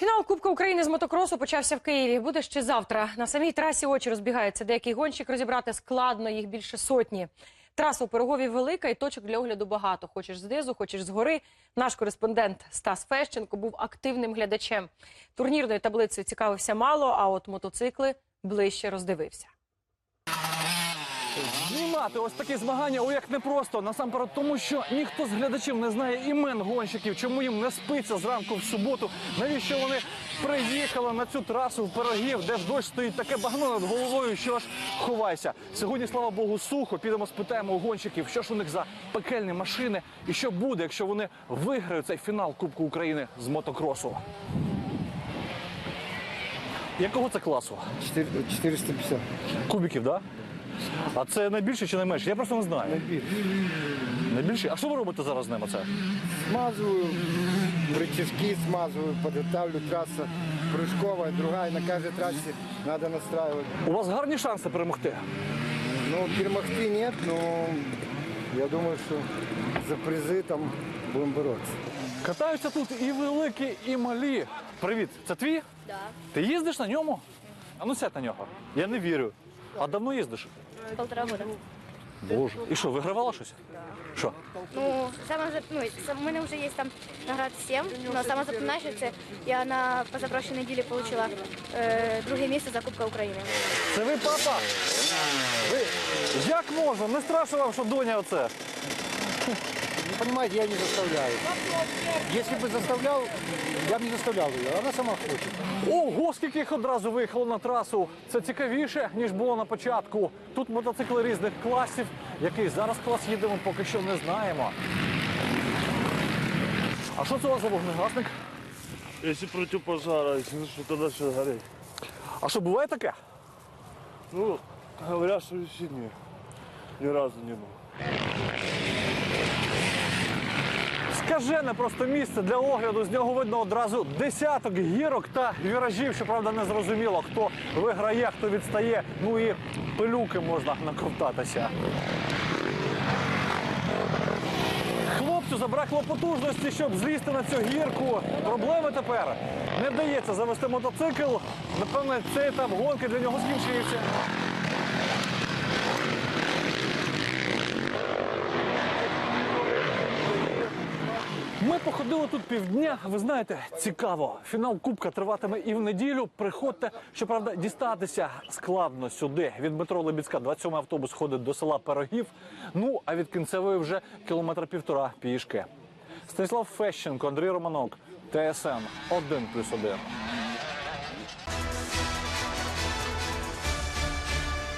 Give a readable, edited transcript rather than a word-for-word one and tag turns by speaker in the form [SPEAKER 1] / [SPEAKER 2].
[SPEAKER 1] Фінал Кубка України з мотокросу почався в Києві. Буде ще завтра. На самій трасі очі розбігаються. Деякий гонщик розібрати складно, їх більше сотні. Траса у Пирогові велика і точок для огляду багато. Хочеш знизу, хочеш згори. Наш кореспондент Стас Фещенко був активним глядачем. Турнірною таблицею цікавився мало, а от мотоцикли ближче роздивився.
[SPEAKER 2] Знімати ось такі змагання, як непросто. Насамперед тому, що ніхто з глядачів не знає імен гонщиків, чому їм не спиться зранку в суботу, навіщо вони приїхали на цю трасу в Пирогів, де ж дощ стоїть таке багно над головою, що ж ховайся. Сьогодні, слава Богу, сухо. Підемо спитаємо у гонщиків, що ж у них за пекельні машини і що буде, якщо вони виграють цей фінал Кубку України з мотокросу. Якого це класу?
[SPEAKER 3] 450.
[SPEAKER 2] Кубиків, так? Да? А це найбільше чи найменше? Я просто не знаю.
[SPEAKER 3] Найбільше.
[SPEAKER 2] Найбільше? А що ви робите зараз з ними? Це?
[SPEAKER 3] Смазываю, рычажки смазываю, подготавливаю, трасса прыжковая, другая, на каждой трассе надо настраивать.
[SPEAKER 2] У вас гарні шанси перемогти?
[SPEAKER 3] Ну, перемогти нет, но я думаю, что за призы там будем бороться.
[SPEAKER 2] Катаються тут і великі, і малі. Привіт, це твій?
[SPEAKER 4] Да.
[SPEAKER 2] Ти їздиш на ньому? А ну сядь на нього. Я не вірю. А давно їздиш?
[SPEAKER 4] 1,5 года.
[SPEAKER 2] Боже. І що, вигравала щось? Що?
[SPEAKER 4] Ну, у мене вже є там наград 7, але саме запоминаюче, я на позапрошлій неділі отримала друге місце за Кубка України.
[SPEAKER 2] Це ви, папа? Ви? Як можна? Не страшно вам, що доня оце?
[SPEAKER 3] Не понимаете, я не заставляю. Если бы заставлял, я бы не заставлял ее, она сама хочет.
[SPEAKER 2] Ого, скільки їх одразу виїхало на трасу. Це цікавіше, ніж було на початку. Тут мотоцикли різних класів. Який зараз клас їдемо, поки що не знаємо. А що це у вас за вогнегасник?
[SPEAKER 5] Если против пожара, если что, тогда все гореть.
[SPEAKER 2] А що, буває таке?
[SPEAKER 5] Ну, говорят, что весеннее. Ни разу не было.
[SPEAKER 2] Скажене просто місце для огляду. З нього видно одразу десяток гірок та віражів. Щоправда, не зрозуміло, хто виграє, хто відстає. Ну і пилюки можна наковтатися. Хлопцю забракло потужності, щоб злізти на цю гірку. Проблеми тепер. Не вдається завести мотоцикл. Напевне, цей етап гонки для нього скінчився. Ми походили тут півдня, ви знаєте, цікаво. Фінал Кубка триватиме і в неділю. Приходьте, щоправда, дістатися складно сюди. Від метро Лебідська 27-й автобус ходить до села Пирогів, ну, а від Кінцевої вже 1,5 кілометра пішки. Станіслав Фещенко, Андрій Романок, ТСН 1+1.